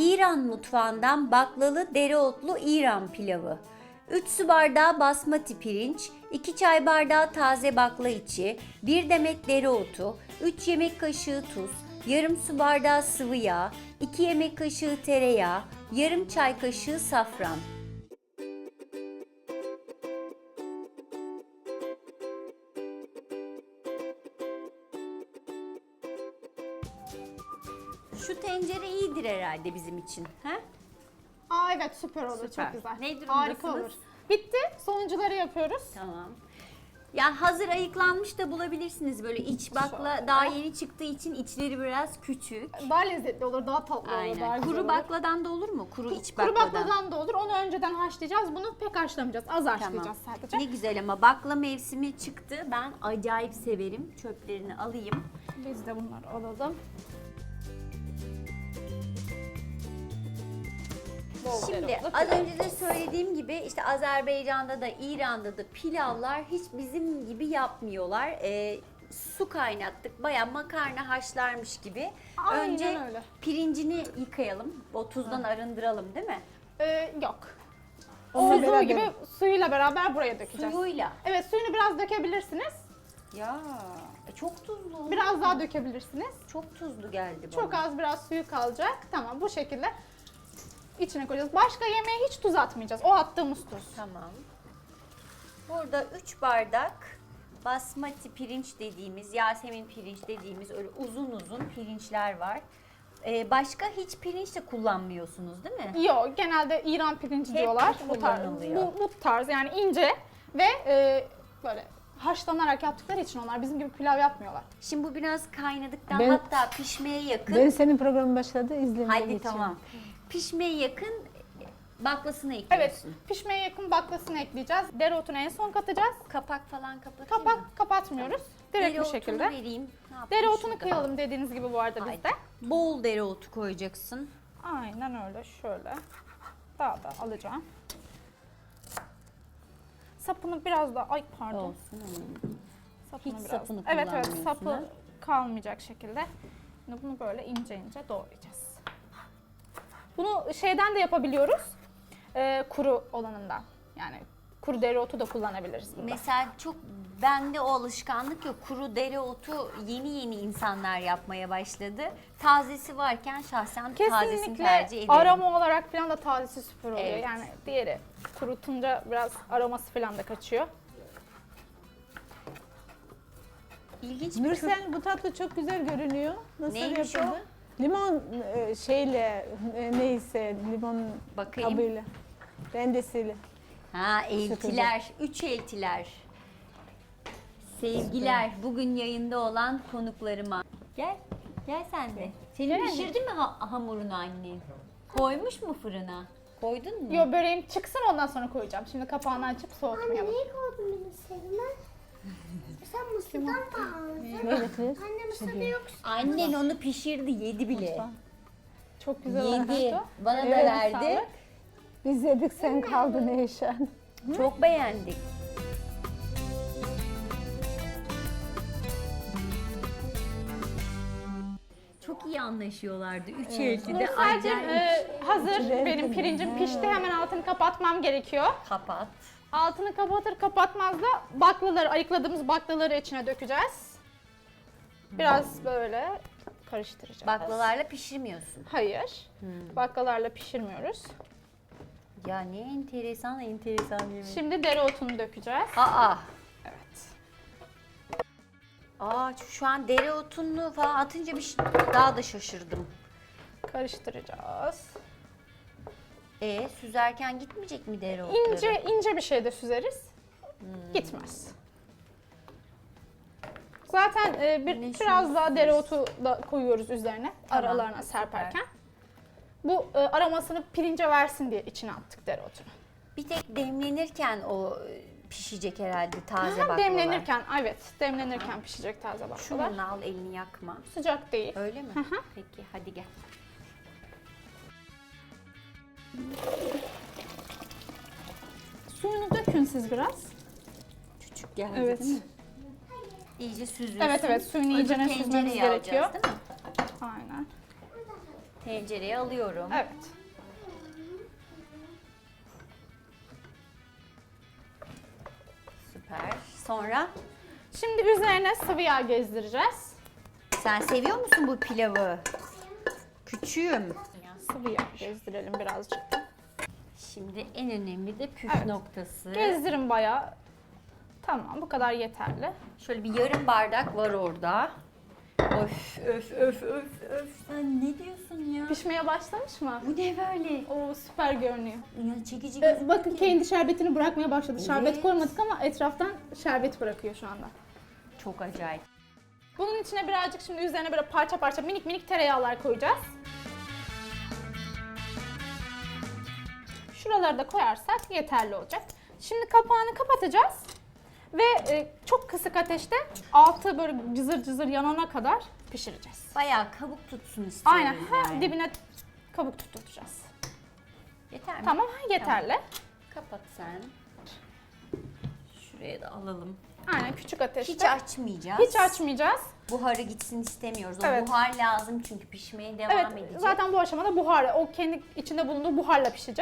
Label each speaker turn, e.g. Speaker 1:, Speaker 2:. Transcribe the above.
Speaker 1: İran mutfağından baklalı dereotlu İran pilavı. 3 su bardağı basmati pirinç, 2 çay bardağı taze bakla içi, 1 demet dereotu, 3 yemek kaşığı tuz, yarım su bardağı sıvı yağ, 2 yemek kaşığı tereyağı, yarım çay kaşığı safran. Şu tencere iyidir herhalde bizim için. He?
Speaker 2: Aa evet, süper olur,
Speaker 1: Süper.
Speaker 2: çok güzel.
Speaker 1: Ne
Speaker 2: Harika
Speaker 1: durumdasınız?
Speaker 2: olur. Bitti. Sonuncuları yapıyoruz.
Speaker 1: Tamam. Yani hazır ayıklanmış da bulabilirsiniz böyle iç bakla daha yeni çıktığı için içleri biraz küçük.
Speaker 2: Daha lezzetli olur, daha tatlı olur, daha
Speaker 1: Aynen.
Speaker 2: güzel
Speaker 1: Kuru
Speaker 2: olur.
Speaker 1: bakladan da olur mu? Kuru iç
Speaker 2: Kuru
Speaker 1: bakladan.
Speaker 2: bakladan da olur. Onu önceden haşlayacağız. Bunu pek haşlamayacağız. Az haşlayacağız sadece.
Speaker 1: Ne güzel ama bakla mevsimi çıktı. Ben acayip severim. Çöplerini alayım.
Speaker 2: Biz de bunları alalım. Bol
Speaker 1: Şimdi
Speaker 2: dereotlu
Speaker 1: az
Speaker 2: pilav.
Speaker 1: önce de söylediğim gibi işte Azerbaycan'da da İran'da da pilavlar hiç bizim gibi yapmıyorlar. Su kaynattık. Bayağı makarna haşlarmış gibi.
Speaker 2: Aynen
Speaker 1: Önce
Speaker 2: öyle.
Speaker 1: pirincini yıkayalım. O tuzdan arındıralım değil mi?
Speaker 2: Yok.
Speaker 3: Onunla
Speaker 2: Olduğu
Speaker 3: beraber.
Speaker 2: gibi suyuyla beraber buraya dökeceğiz.
Speaker 1: Suyuyla.
Speaker 2: Evet, suyunu biraz dökebilirsiniz.
Speaker 1: Ya çok tuzlu.
Speaker 2: Biraz daha dökebilirsiniz.
Speaker 1: Çok tuzlu geldi bana.
Speaker 2: Çok az biraz suyu kalacak. Tamam, bu şekilde içine koyacağız. Başka yemeğe hiç tuz atmayacağız. O attığımız tuz.
Speaker 1: Tamam. Burada 3 bardak basmati pirinç dediğimiz, Yasemin pirinç dediğimiz öyle uzun uzun pirinçler var. Başka hiç pirinç de kullanmıyorsunuz değil mi?
Speaker 2: Yok, genelde İran pirinci
Speaker 1: Hep
Speaker 2: diyorlar.
Speaker 1: bu
Speaker 2: Bu tarz,
Speaker 1: kullanılıyor.
Speaker 2: bu tarz yani ince ve böyle haşlanarak yaptıkları için onlar bizim gibi pilav yapmıyorlar.
Speaker 1: Şimdi bu biraz kaynadıktan
Speaker 3: Ben-
Speaker 1: hatta pişmeye yakın.
Speaker 3: Ben senin programın başladı, izlemeye
Speaker 1: Hadi
Speaker 3: geçiyorum.
Speaker 1: tamam. Pişmeye yakın baklasını
Speaker 2: Evet,
Speaker 1: ekliyorsun.
Speaker 2: pişmeye yakın baklasını ekleyeceğiz. Dereotunu en son katacağız.
Speaker 1: Kapak falan kapatayım
Speaker 2: Kapak
Speaker 1: mı?
Speaker 2: kapatmıyoruz. Direkt bu
Speaker 1: Dereotunu
Speaker 2: şekilde.
Speaker 1: vereyim. Ne yapayım
Speaker 2: Dereotunu
Speaker 1: şurada?
Speaker 2: kıyalım dediğiniz gibi bu arada
Speaker 1: Haydi.
Speaker 2: bizde.
Speaker 1: Bol dereotu koyacaksın.
Speaker 2: Aynen öyle, şöyle. Daha da alacağım. Sapını biraz daha, ay pardon.
Speaker 1: Olsun.
Speaker 2: Sapını
Speaker 1: Hiç
Speaker 2: biraz.
Speaker 1: sapını
Speaker 2: Evet evet,
Speaker 1: kullanmıyorsun,
Speaker 2: sapı
Speaker 1: ha?
Speaker 2: kalmayacak şekilde. Şimdi bunu böyle ince ince doğrayacağız. Bunu şeyden de yapabiliyoruz. Kuru olanından. Yani kuru dereotu da kullanabiliriz bunda.
Speaker 1: Mesela çok bende o alışkanlık yok. Kuru dereotu yeni yeni insanlar yapmaya başladı. Tazesi varken şahsen tazesini
Speaker 2: Kesinlikle
Speaker 1: tercih ederim.
Speaker 2: aroma olarak falan da tazesi süper oluyor.
Speaker 1: Evet.
Speaker 2: Yani diğeri kurutunca biraz aroması falan da kaçıyor.
Speaker 1: İlginç bir
Speaker 3: Nursel, bu tatlı çok güzel görünüyor. Nasıl
Speaker 1: Neymiş
Speaker 3: yapıldı? Limon şeyle neyse limon
Speaker 1: Bakayım.
Speaker 3: kabıyla, rendesiyle.
Speaker 1: Ha, eltiler, 3 eltiler. Sevgiler, bugün yayında olan konuklarıma. Gel, gel sen de. Senin pişirdi mi hamurunu annen? Koymuş mu fırına? Koydun mu?
Speaker 2: Yo, böreğim çıksın ondan sonra koyacağım. Şimdi kapağını açıp
Speaker 4: Anne
Speaker 2: soğutmayalım.
Speaker 4: neyi koydun benim serime? Sen mısırdan mı aldın?
Speaker 3: Ne getirir?
Speaker 4: Anne mısırda yok.
Speaker 1: Annen onu pişirdi, yedi bile.
Speaker 2: Çok güzel
Speaker 1: Yedi.
Speaker 2: olmuştu.
Speaker 1: Bana da
Speaker 2: Evet,
Speaker 1: verdi.
Speaker 2: sağlık.
Speaker 3: Biz yedik, sen kaldın Eyşan.
Speaker 1: Çok beğendik. Çok iyi anlaşıyorlardı. Üç elti de
Speaker 2: Nursel'cim,
Speaker 1: acayip.
Speaker 2: hazır.
Speaker 3: İçine
Speaker 2: Benim
Speaker 3: ekledim.
Speaker 2: pirincim pişti. Hemen altını kapatmam gerekiyor.
Speaker 1: Kapat.
Speaker 2: Altını kapatır kapatmaz da baklaları, ayıkladığımız baklaları içine dökeceğiz. Biraz böyle karıştıracağız.
Speaker 1: Baklalarla pişirmiyorsun.
Speaker 2: Hayır. Baklalarla pişirmiyoruz.
Speaker 1: Ya ne enteresan yemek.
Speaker 2: Şimdi dereotunu dökeceğiz.
Speaker 1: Aa.
Speaker 2: Evet.
Speaker 1: Aa, şu an dereotunu falan atınca daha da şaşırdım.
Speaker 2: Karıştıracağız.
Speaker 1: Süzerken gitmeyecek mi dereotları?
Speaker 2: İnce ince bir şey de süzeriz. Gitmez. Zaten biraz daha dereotu da koyuyoruz üzerine,
Speaker 1: Tamam,
Speaker 2: aralarına
Speaker 1: süper.
Speaker 2: serperken. Bu aromasını pirince versin diye içine attık dereotunu.
Speaker 1: Bir tek demlenirken o pişecek herhalde taze
Speaker 2: Aha,
Speaker 1: baklalar.
Speaker 2: demlenirken, evet, demlenirken pişecek taze baklalar.
Speaker 1: Şunu al, elini yakma.
Speaker 2: Sıcak değil.
Speaker 1: Öyle mi? Peki hadi gel.
Speaker 2: Suyunu dökün siz biraz.
Speaker 1: Küçük geldi
Speaker 2: Evet.
Speaker 1: değil mi? İyice süzülsün.
Speaker 2: Evet evet, suyunu
Speaker 1: Öbür
Speaker 2: iyicene
Speaker 1: tencereye
Speaker 2: süzmemiz
Speaker 1: alacağız,
Speaker 2: gerekiyor.
Speaker 1: değil mi?
Speaker 2: Aynen.
Speaker 1: Tencereye alıyorum.
Speaker 2: Evet.
Speaker 1: Süper. Sonra
Speaker 2: Şimdi üzerine sıvı yağ gezdireceğiz.
Speaker 1: sen seviyor musun bu pilavı? Küçüğüm.
Speaker 2: Sıvı yağ gezdirelim birazcık.
Speaker 1: Şimdi en önemli de püf
Speaker 2: Evet.
Speaker 1: noktası.
Speaker 2: Gezdirin bayağı. Tamam, bu kadar yeterli.
Speaker 1: Şöyle bir yarım bardak var orada. Öf öf öf öf öf. Sen ne diyorsun ya?
Speaker 2: Pişmeye başlamış mı?
Speaker 1: Bu ne böyle?
Speaker 2: Oo, süper görünüyor.
Speaker 1: Ya çekici gözüküyor
Speaker 2: Bakın
Speaker 1: ki.
Speaker 2: kendi şerbetini bırakmaya başladı. Şerbet
Speaker 1: Evet.
Speaker 2: koymadık ama etraftan şerbet bırakıyor şu anda.
Speaker 1: Çok acayip.
Speaker 2: Bunun içine birazcık şimdi üzerine böyle parça parça minik minik tereyağlar koyacağız. Şuraları da koyarsak yeterli olacak. Şimdi kapağını kapatacağız. Ve çok kısık ateşte altı böyle cızır cızır yanana kadar pişireceğiz.
Speaker 1: Bayağı kabuk tutsun istiyoruz
Speaker 2: Aynen,
Speaker 1: yani.
Speaker 2: dibine kabuk tutturacağız.
Speaker 1: Yeter mi?
Speaker 2: Tamam, yeterli.
Speaker 1: Kapat sen. Şuraya da alalım.
Speaker 2: Aynen, küçük ateşte.
Speaker 1: Hiç açmayacağız.
Speaker 2: Hiç açmayacağız.
Speaker 1: Buharı gitsin istemiyoruz. O
Speaker 2: Evet.
Speaker 1: buhar lazım çünkü pişmeye devam
Speaker 2: Evet,
Speaker 1: edecek.
Speaker 2: zaten bu aşamada buhar, o kendi içinde bulunduğu buharla pişecek.